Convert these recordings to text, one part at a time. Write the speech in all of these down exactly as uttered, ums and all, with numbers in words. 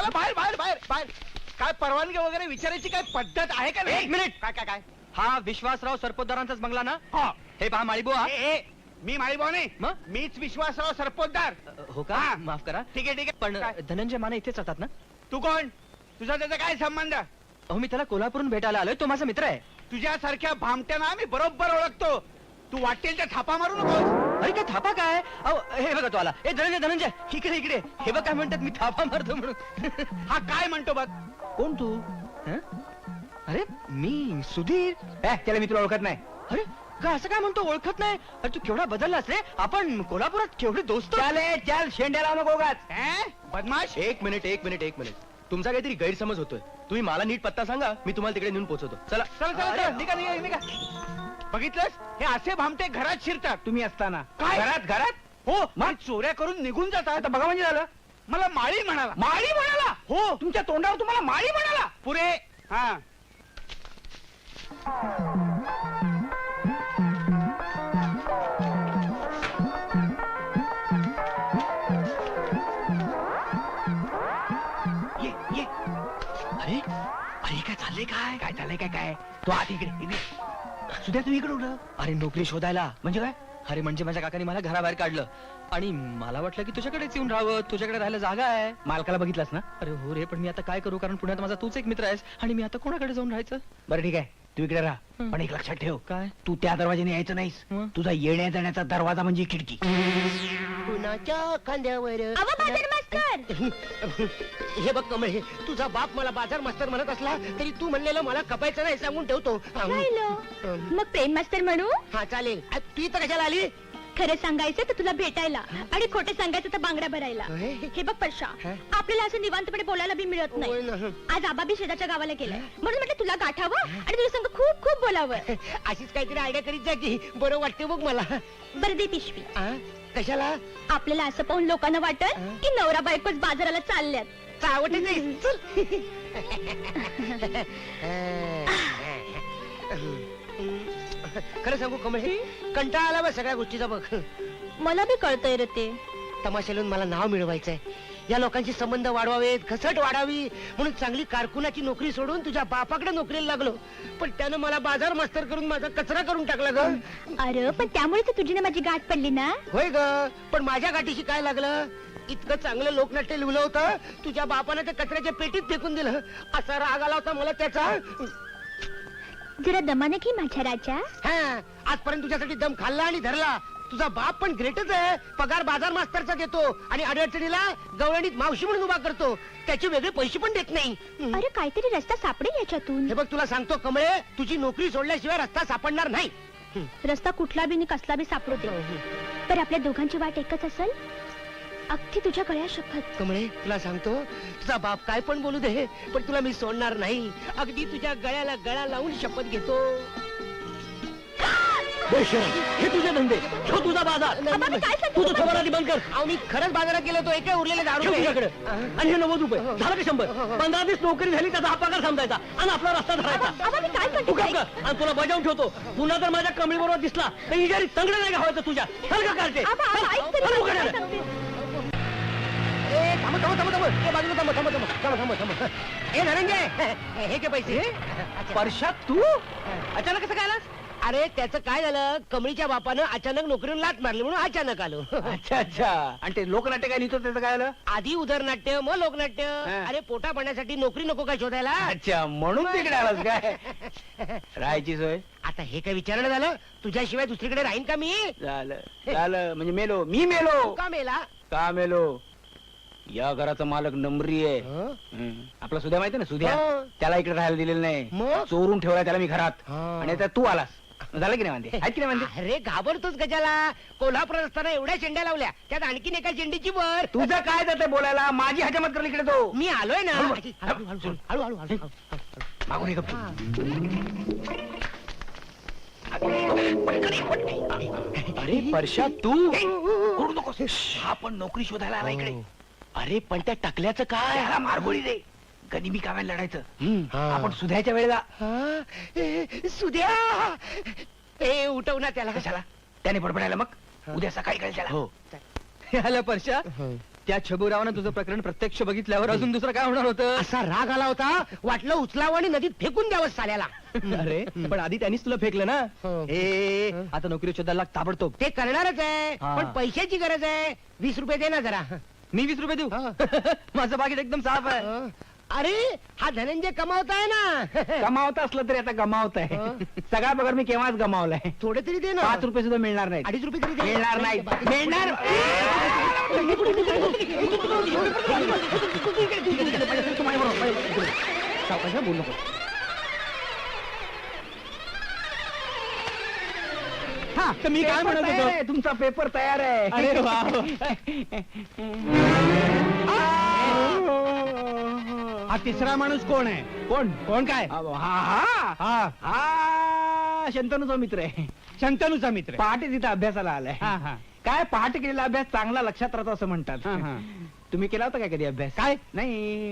बाहेर बाहेर बाहेर बाहेर काय परवानगी वगैरे विचारायची काय पद्धत आहे का नाही? एक मिनिट. काय काय काय हा विश्वासराव सरपोतदारांचाच बंगला ना? हा. हे पहा माळीबो हा. ए, ए, मी माळीभाऊ नाही मग? मीच विश्वासराव सरपोतदार. हो का? हा. माफ करा. ठीक आहे ठीक आहे पण काय? धनंजय माने इथेच राहतात ना? तू कोण? तुझा त्याचा काय संबंध? अहो मी त्याला कोल्हापूरून भेटायला आलोय, तो माझा मित्र आहे. तुझ्यासारख्या भामट्यांना मी बरोबर ओळखतो. तू वाटेल त्या थापा मारू नकोस. अरे काय थापा काय? अहो हे बघा तो आला. ए धनंजय धनंजय इकडे इकडे. हे बघ काय म्हणतात मी थापा मारतो म्हणून. हा काय म्हणतो बघ. कोण तू? हं? अरे मी सुधीर. ए, त्याला मी तुला ओळखत नाही. अरे का असं काय म्हणतो ओळखत नाही? अरे तू केवढा बदललास रे. आपण कोल्हापुरात केवढे दोस्त. चाले चाल शेंड्याला नको उगाच. ए, बदमाश. एक मिनिट एक मिनिट एक मिनिट तुमचा काहीतरी गैरसमज होतोय. तुम्ही मला नीट पत्ता सांगा, मी तुम्हाला तिकडे नेऊन पोहोचवतो. चला चल चल अरे, चल निघा निघा निघा. बघितलंस हे असे भामटे घरात शिरतात तुम्ही असताना. काय घरात घरात हो मग चोऱ्या करून निघून जातात. आता बघा म्हणजे झालं मला माळी म्हणाला. माळी म्हणाला? हो तुमच्या तोंडावर तुम्हाला माळी म्हणाला. पुरे हा ये ये. अरे अरे काय चाललंय काय? काय झालंय काय काय तू आत इकडे इकडे. सुद्धा तू इकडे उडलं अरे नोकरी शोधायला. म्हणजे काय? अरे म्हणजे माझ्या काकाने मला घराबाहेर काढलं आणि मला वाटलं की तुझ्याकडेच येऊन राहावं, तुझ्याकडे राहायला जागा आहे. मालकाला बघितलास ना? अरे हो रे, पण मी आता काय करू, कारण पुण्यात माझा तूच एक मित्र आहेस आणि मी आता कोणाकडे जाऊन राहायचं? बरं ठीक आहे तू इकडे राहा. हं. पण एक लक्षात ठेव काय? तू त्या दरवाजाने यायचं नाहीस. हं. तुझा येण्या जाण्याचा दरवाजा म्हणजे खिडकी. कुणाच्या खांद्यावर अहो बाजार मास्तर. हे बघ कमळे, तुझा बाप मला बाजार मास्तर म्हणत असला तरी तू म्हणलेलं मला कपायचं नाही सांगून ठेवतो. राहिलो. मग प्रेम मास्तर म्हणू? हा चालेल. आ, तू इथं कशाला आली? खरं सांगायचं तर तुला भेटायला आणि खोटं सांगायचं तर बांगड्या भरायला. अहे. हे बघ परशा, हा? आपल्याला असं निवांतपणे बोलायला बी मिळत होय नाही. ना. आज आबा बी शेजारच्या गावाला गेलाय म्हणून म्हटलं तुला गाठावं आणि तुझ्या संग खूप खूप बोलावं. अशीच काहीतरी आयडिया करीत जा की बरं वाटते बघ मला. बरं दे पिशवी. आ? कशाला? आपल्याला असं पाहून लोकांना वाटत हा? की नवरा बायकोच बाजाराला चालल्यात. चावटच आहे. चल. खरं सांगू कमळे, कंटाळा आला बघ सगळ्या गोष्टीचा. बघ मला बी कळतंय रे ते. तमाशालून मला नाव मिळवायचंय. या लोकांचे संबंध वाढवावेत, घसट वाढावी म्हणून चांगली कारकुनाची नोकरी सोडून तुझ्या बापाकडे नोकरीला लागलो. पण त्यानं मला बाजार मास्तर करून माझा कचरा करून टाकला ग. अरे पण त्यामुळे तर तुझी ना माझी गाठ पडली ना. होय ग, पण माझ्या गाठीशी काय लागलं? इतकं चांगलं लोकनाट्य लिहिलं होतं, तुझ्या बापानं ते कचऱ्याच्या पेटीत फेकून दिलं. असा राग आला होता मला त्याचा. जरा दमाने घे माझ्या राजा. हा, आजपर्यंत तुझ्यासाठी दम खाल्ला आणि धरला. तुझा बाप पण ग्रेटच आहे. पगार बाजार मास्तरचा देतो आणि अडचणीला गवळणीत मावशी म्हणून उभा करतो. त्याचे वेगळे पैसे पण देत नाही. अरे काहीतरी रस्ता सापडेल याच्यातून. हे बघ तुला सांगतो कमळे, तुझी नोकरी सोडल्याशिवाय रस्ता सापडणार नाही. रस्ता कुठला बी नि कसला बी सापडू दे, पण आपल्या दोघांची वाट एकच असेल. अगदी तुझ्या गळ्या शपथ. कमळे तुला सांगतो, तुझा बाप काय पण बोलू दे, पण तुला मी सोडणार नाही. अगदी तुझ्या गळ्याला गळा लावून शपथ घेतो. हे तुझे धंदे, ठेव तुझा बाजार. आबा, मी काय सांगते तुझं खबर आधी बंद कर. अहो मी खरंच बाजारात गेलो तो एका उरलेले दारू ठेव रुपये. तुझ्याकडे. आणि हे नव्वद रुपये झालं का शंभर? पंधरा दिवस नोकरी झाली, त्याचा हा पगार समजायचा आणि आपला रस्ता धरायचा. आबा, मी काय तू करते काम कर आणि तुला बजावून ठेवतो. पुन्हा जर माझ्या कमळी बरोबर दिसला तर इजारी तंगड नाही घावायचं तुझ्या. चल का काढते? आबा, आबा, ऐक तरी, चल, मी काय उघड. सांगते. ए थांब थांब थांब थांब ए, बाजूला थांब थांब थांब थांब थांब थांब. ए धनंजय, हे के पैसे. परशात तू अचानक कसं काय आलास? अरे त्याचं काय झालं, कमळीच्या बापानं अचानक नोकरीवर लात मारली म्हणून अचानक आलो. अच्छा अच्छा. आणि ते लोकनाट्य काय लिहितो त्याचं काय आलं? आधी उदरनाट्य मग लोकनाट्य. हा. अरे पोटा पाण्यासाठी नोकरी नको का शोधायला? अच्छा म्हणून तिकडे आलास काय? राहायची सोय आता हे काय विचारणं झालं? तुझ्याशिवाय दुसरीकडे राहीन का मी? झालं झालं म्हणजे मेलो मी मेलो. का मेला? का मेलो? या घराचा मालक नंबरी आहे. हं? हं. आपला सुद्या माहिती ना सुद्या, हो. त्याला इकडे राहायला दिलेलं नाही. मग? चोरून ठेवला त्याला मी घरात. हा. आणि आता तू आलास. झालं की नाही म्हणते? आहेत की नाही म्हणते? अरे घाबरतोच गजाला. कोल्हापुरात असताना एवढ्या शेंड्या लावल्या, त्यात आणखीन एका शेंडीची वर. तुझं काय जातं बोलायला? माझी हजामत कर इकडे तो. मी आलोय ना. हळू, हळू हळू हळू हळू हळू हळू हळू. मागून ये गप्प. अरे परशा तू ओरडू नकोस. हा पण नोकरी शोधायला आला इकडे. अरे पण त्या टकल्याचं काय? त्याला मारगोळी दे. गनिमी कामाला लढायचं. हा. आपण सुधायच्या वेळेला हा? ए, सुद्या ए उठव ना त्याला. कशाला? त्याने बडबडायला मग उद्या सकाळी कळेल त्याला. हो. आलं परशा. त्या छबुरावानं तुझं प्रकरण प्रत्यक्ष बघितल्यावर अजून दुसरं काय होणार होतं? असा राग आला होता वाटलं उचलावं आणि नदीत फेकून द्यावं साल्याला. अरे पण आधी त्यांनीच तुला फेकलं ना. हो. ए आता नोकरी शोधायला लाग ताबडतोब. ते करणारच आहे हा. पण पैशाची गरज आहे. वीस रुपये दे ना जरा. मी वीस रुपये देऊ? हा. माझं बाकीत एकदम साफ आहे. हं. अरे हा धनंजय कमावताय ना. गमावत असलं तरी आता गमावत आहे हं. सगळा पगार मी केव्हाच गमावलाय. थोडे तरी दे ना. पाच रुपये सुद्धा मिळणार नाही. अडीच रुपये तरी दे. मिळणार नाही मिळणार सावकाश बोल नको. हा तर मी काय पेपर म्हणत तयार होतो? आहे, तुमचा पेपर तयार आहे. अरे वा. हा तिसरा माणूस कोण आहे? कोण कोण काय? हा हा हा हा शंतनूचा मित्र आहे. शंतनूचा मित्र पहाटे तिथे अभ्यासाला आलाय. काय पहाटे केलेला अभ्यास चांगला लक्षात राहतो असं म्हणतात. तुम्ही केला होता काय कधी अभ्यास? काय नाही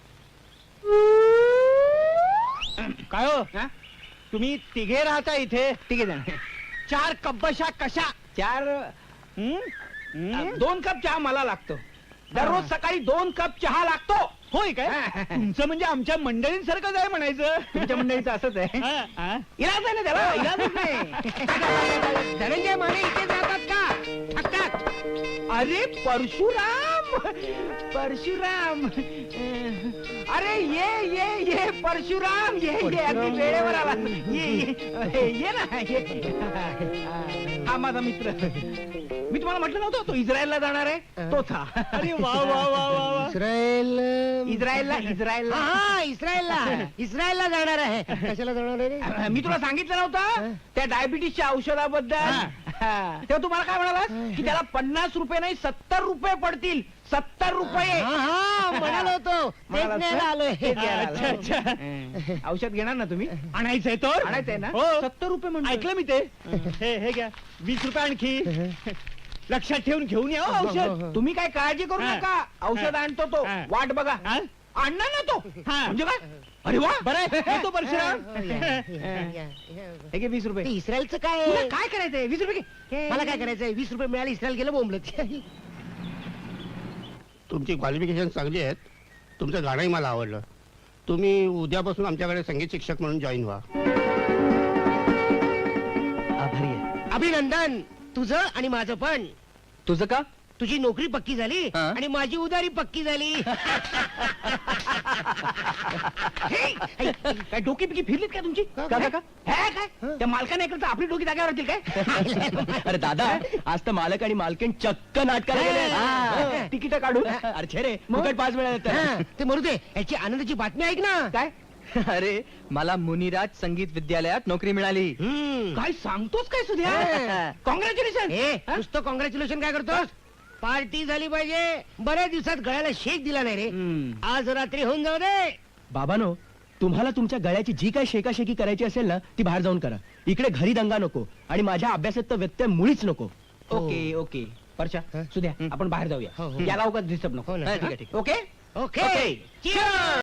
काय हो हा? तुम्ही तिघे राहता इथे? तिघे जण. चार कब्बशा कशा? चार हं? हं? दोन कप चहा मला लागतो. दररोज सकाळी दोन कप चहा लागतो. होय काय? तुमचं म्हणजे आमच्या मंडळींसारखंच आहे म्हणायचं. तुमच्या मंडळीचं असंच आहे. इलाज आहे ना त्याला, इलाजच नाही. धनंजय माने इथे जातात का? ठक ठक. अरे परशुराम परशुराम अरे ये ये ये परशुराम ये ये अगदी वेळेवर आला. ये ये ये ना ये. हा माझा मित्र. मी तुम्हाला म्हटलं नव्हतं तो इस्रायलला जाणार आहे. तोच हा. अरे वा वा वा वा. इस्रायल इस्रायलला इस्रायलला हा इस्रायलला इस्रायलला जाणार आहे. कशाला जाणार आहे रे? मी तुला सांगितलं नव्हतं त्या डायबिटीसच्या औषधाबद्दल. तेव्हा तुम्हाला काय म्हणाला की त्याला पन्नास रुपये नाही सत्तर रुपये पडतील. सत्तर रुपये हा हा म्हणालो होतो तेच म्हणालात न्यायला का? आलोय. तेच घ्यायला आलोय. औषध घेणार ना तुम्ही? आणायचंय तो आणायचंय ना. सत्तर रुपये म्हणून ऐकलं मी ते. हे हे घ्या वीस रुपये आणखी लक्षात ठेवून घेऊन या हो औषध. तुम्ही काय काळजी करू नका. औषध आणतो तो. वाट बघा. आणणार ना तो. म्हणजे काय? अरे वा बरं तो परशुराम. हे घे वीस रुपये. ते इस्रायलचं काय तुला आहे? काय करायचंय? वीस रुपये घे. मला काय करायचंय? वीस रुपये मिळाले इस्रायल गेलं बोंबलत. तुमची क्वालिफिकेशन चांगली आहेत. तुमचं गाणंही मला आवडलं. तुम्ही उद्यापासून आमच्याकडे संगीत शिक्षक म्हणून जॉईन व्हा. आभारी आहे. अभिनंदन तुझं आणि माझं पण. तुझं का? तुझी नोकरी पक्की झाली हा? आणि माझी उदारी पक्की झाली. हे, काय डोकी पिकी फिरलीत काय तुमची? का, का, काय? का, का? हे, काय त्या मालकाने ऐकलं तर आपली डोकी जागेवर राहतील काय? अरे दादा आज तर मालक आणि मालकीण चक्क नाटकाला गेले. हा. तिकीट काढून अरे छे रे फुकट पाच वेळा येतं. हा, ते मरू दे. याची आनंदाची बातमी ऐक ना. काय अरे मला मुनिराज संगीत विद्यालयात नोकरी मिळाली. हम्म. काय सांगतोस काय सुद्या? हा. कॉंग्रॅच्युलेशन. ए, नुसतं कॉंग्रॅच्युलेशन काय करतोस? पार्टी झाली पाहिजे. बऱ्याच दिवसात गळ्याला शेक दिला नाही रे. आज रात्री होऊन जाऊ दे. बाबानो तुम्हाला तुमच्या गळ्याची जी काही शेकाशेकी करायची असेल ना ती बाहेर जाऊन करा. इकडे घरी दंगा नको आणि माझ्या अभ्यासात तर व्यत्यय मुळीच नको. ओके ओके परशा हा? सुद्या आपण बाहेर जाऊया. हो, हो. याला उगाच डिस्टर्ब नको. हो ना. हा, ठीक आहे, ठीक आहे. Okay okay. Cheers.